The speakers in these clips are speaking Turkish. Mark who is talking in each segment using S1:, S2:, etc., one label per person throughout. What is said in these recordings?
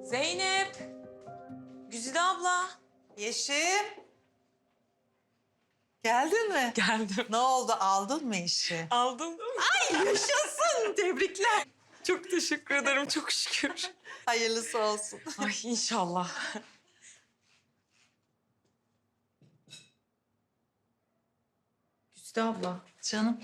S1: Zeynep. Güzide abla.
S2: Yeşim. Geldin mi?
S1: Geldim.
S2: Ne oldu? Aldın mı işi?
S1: Aldım.
S2: Ay yaşasın. Tebrikler.
S1: Çok teşekkür ederim. Çok şükür.
S2: Hayırlısı olsun.
S1: Ay inşallah. Güzide abla.
S2: Canım.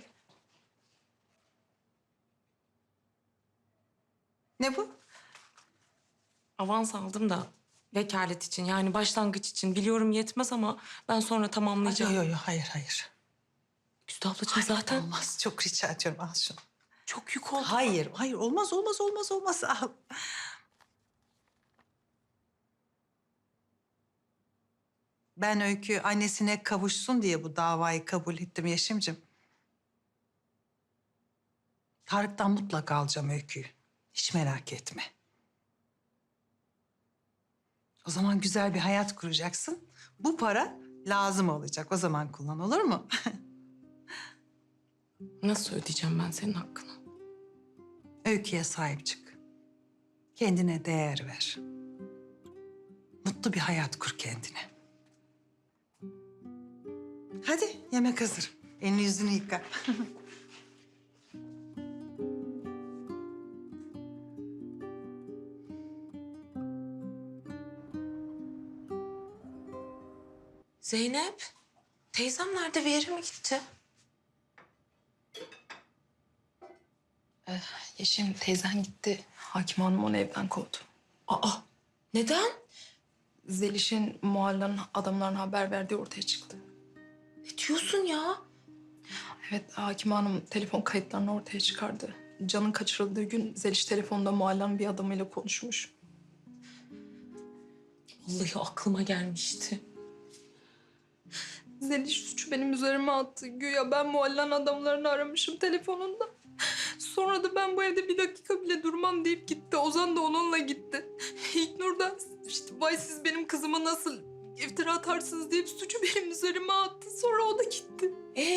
S2: Ne bu?
S1: Avans aldım da vekalet için yani başlangıç için. Biliyorum yetmez ama ben sonra tamamlayacağım.
S2: Yok hayır.
S1: Güzide ablacığım zaten
S2: Olmaz. Çok rica ediyorum al şunu.
S1: çok yük oldu.
S2: Hayır olmaz. Al. Ben Öykü annesine kavuşsun diye bu davayı kabul ettim Yeşim'cim. Tarık'tan mutlaka alacağım Öykü'yü. Hiç merak etme. O zaman güzel bir hayat kuracaksın. Bu para lazım olacak. O zaman kullan, olur mu?
S1: Nasıl ödeyeceğim ben senin hakkını?
S2: Öykü'ye sahip çık. Kendine değer ver. Mutlu bir hayat kur kendine. Hadi yemek hazır. Elini yüzünü yıka.
S1: Zeynep. Teyzem nerede? Bir yere mi gitti?
S3: Yeşim teyzen gitti. Hakim Hanım onu evden kovdu.
S1: Aa. Neden?
S3: Zeliş'in mahallenin adamlarına haber verdiği ortaya çıktı.
S1: Ne diyorsun ya?
S3: Evet, Hakim Hanım telefon kayıtlarını ortaya çıkardı. Can'ın kaçırıldığı gün Zeliş telefonda mahallenin bir adamıyla konuşmuş.
S1: Vallahi aklıma gelmişti.
S3: Zeliş suçu benim üzerime attı. Güya ben mahallenin adamlarını aramışım telefonunda. Sonra da ben bu evde bir dakika bile durmam deyip gitti. Ozan da onunla gitti. İlknur da işte vay siz benim kızıma nasıl iftira atarsınız deyip suçu benim üzerime attı. Sonra o da gitti.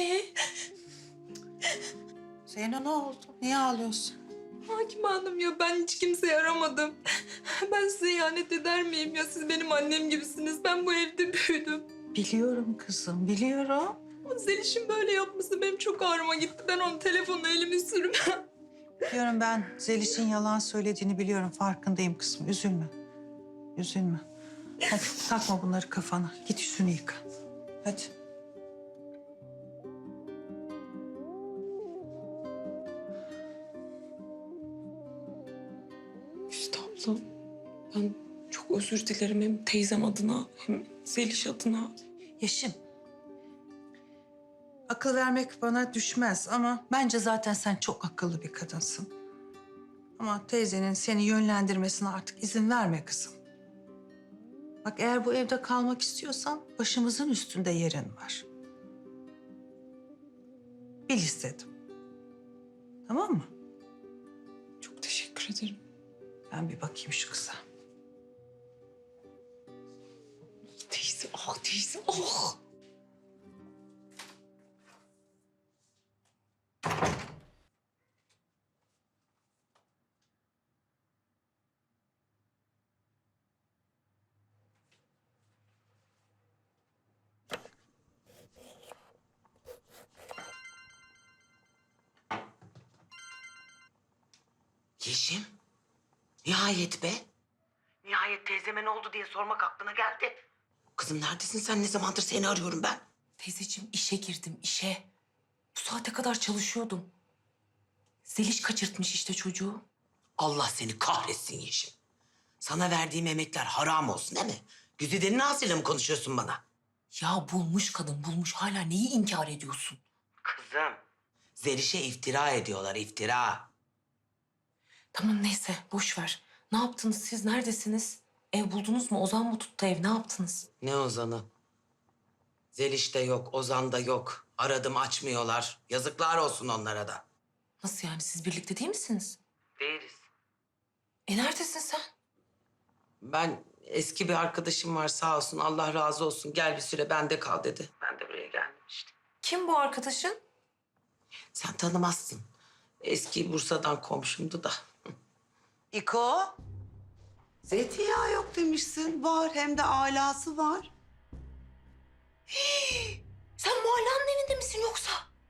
S2: Zeyno ne oldu? Niye ağlıyorsun?
S3: Hakim Hanım ya ben hiç kimseyi aramadım. Ben size ihanet eder miyim ya? Siz benim annem gibisiniz. Ben bu evde büyüdüm.
S2: Biliyorum kızım, biliyorum.
S3: Ama Zeliş'in böyle yapması benim çok ağrıma gitti. Ben onun telefonuna elimi sürmem.
S2: Biliyorum ben Zeliş'in yalan söylediğini biliyorum. Farkındayım kızım. Üzülme. Hadi takma bunları kafana. Git yüzünü yıka. Hadi.
S1: Güzide abla, ben çok özür dilerim hem teyzem adına hem Zeliş adına.
S2: Yeşim. Akıl vermek bana düşmez ama bence zaten sen çok akıllı bir kadınsın. Ama teyzenin seni yönlendirmesine artık izin verme kızım. Bak eğer bu evde kalmak istiyorsan başımızın üstünde yerin var. Bil istedim. Tamam mı?
S1: Çok teşekkür ederim.
S2: Ben bir bakayım şu kıza.
S1: Teyze, teyze, ah.
S4: Yeşim, nihayet be. Nihayet teyzeme ne oldu diye sormak aklına geldi. Kızım neredesin sen? Ne zamandır seni arıyorum ben.
S1: Teyzeciğim işe girdim, işe. Bu saate kadar çalışıyordum. Zeliş kaçırtmış işte çocuğu.
S4: Allah seni kahretsin Yeşim. Sana verdiğim emekler haram olsun değil mi? Güzide'nin ağzıyla mı konuşuyorsun bana?
S1: Ya bulmuş kadın, bulmuş. Hala neyi inkar ediyorsun?
S4: Kızım. Zeliş'e iftira ediyorlar, iftira.
S1: Tamam neyse, boş ver. Ne yaptınız siz? Neredesiniz? Ev buldunuz mu? Ozan mı tuttu ev? Ne yaptınız?
S4: Ne Ozan'ı? Zeliş de yok, Ozan da yok. Aradım açmıyorlar. Yazıklar olsun onlara da.
S1: Nasıl yani? Siz birlikte değil misiniz?
S4: Değiliz.
S1: Neredesin sen?
S4: Ben eski bir arkadaşım var sağ olsun Allah razı olsun gel bir süre bende kal dedi. Ben de buraya geldim işte.
S1: Kim bu arkadaşın?
S4: Sen tanımazsın. Eski Bursa'dan komşumdu da.
S2: İko.
S4: Zeytinyağı yok demişsin. Var, hem de alası var.
S1: Sen Muhalla'nın evinde misin yoksa?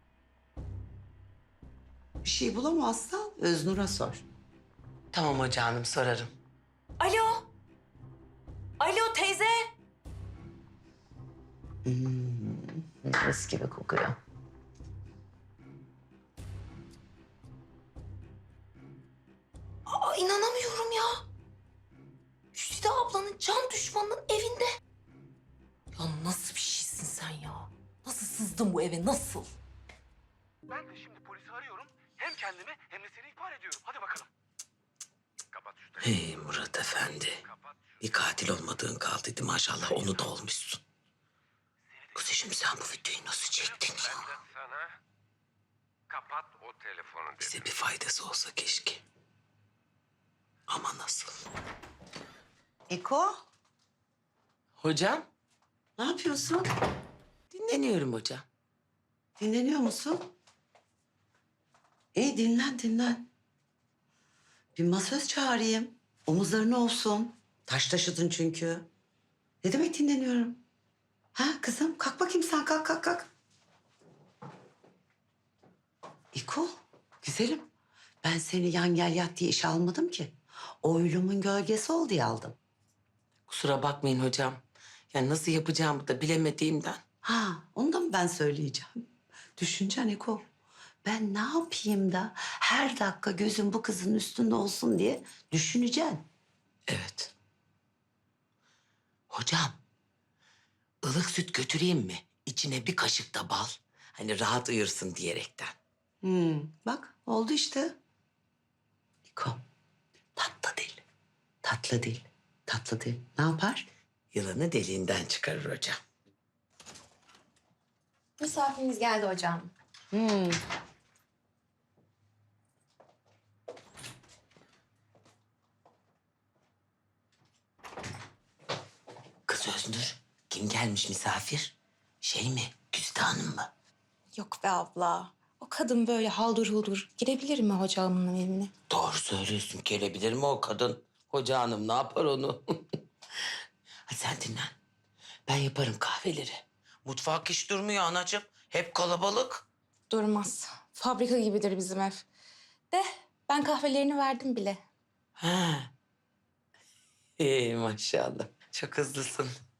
S4: Bir şey bulamazsan Öznur'a sor.
S1: Tamam hoca hanım, sorarım. Alo. Alo teyze.
S4: Mis gibi kokuyor.
S1: Aa, inanamıyorum ya. Güzide ablanın can düşmanının evinde. Ya nasıl bir şeysin sen ya? Nasıl sızdın bu eve, nasıl?
S5: Ben de şimdi polisi arıyorum. Hem kendimi hem de seni ihbar ediyorum. Hadi bakalım. Kapat şu telefonu.
S4: Hey Murat Efendi.
S5: Kapat şu.
S4: Bir katil olmadığın kaldıydı maşallah. Onu da olmuşsun. Kuzuşum sen bu videoyu nasıl çektin ya?
S5: Ben de sana kapat o telefonu dedim.
S4: Bize bir faydası olsa keşke. Ama nasıl? Eko,
S1: Hocam?
S4: ne yapıyorsun?
S1: Dinleniyorum hocam.
S4: Dinleniyor musun? İyi, dinlen dinlen. Bir masöz çağırayım. Omuzlarına olsun. Taş taşıdın çünkü. Ne demek dinleniyorum? Ha kızım, kalk bakayım sen, kalk kalk kalk. İko, güzelim. Ben seni yan gel yat diye iş almadım ki. Oylumun gölgesi ol diye aldım.
S1: Kusura bakmayın hocam. Yani nasıl yapacağımı da bilemediğimden.
S4: Ha, onu da mı ben söyleyeceğim? Düşüneceksin İko. Ben ne yapayım da her dakika gözüm bu kızın üstünde olsun diye düşüneceksin.
S1: Evet. Hocam, ılık süt götüreyim mi? İçine bir kaşık da bal. Hani rahat uyursun diyerekten.
S4: Bak oldu işte. İko, tatlı dil. Tatlı dil. Tatlı dil. Ne yapar?
S1: Yılanı deliğinden çıkarır hocam.
S6: Misafirimiz geldi hocam.
S1: Kız Öznur, kim gelmiş misafir? Şey mi, Güzide Hanım mı?
S6: Yok be abla. O kadın böyle haldır huldur girebilir mi hocamın evine?
S1: Doğru söylüyorsun, gelebilir mi o kadın? Hoca hanım ne yapar onu? Hadi sen dinlen. Ben yaparım kahveleri. Mutfak hiç durmuyor anacığım. Hep kalabalık.
S6: Durmaz. Fabrika gibidir bizim ev. De ben kahvelerini verdim bile.
S1: Ha. İyi maşallah. Çok hızlısın.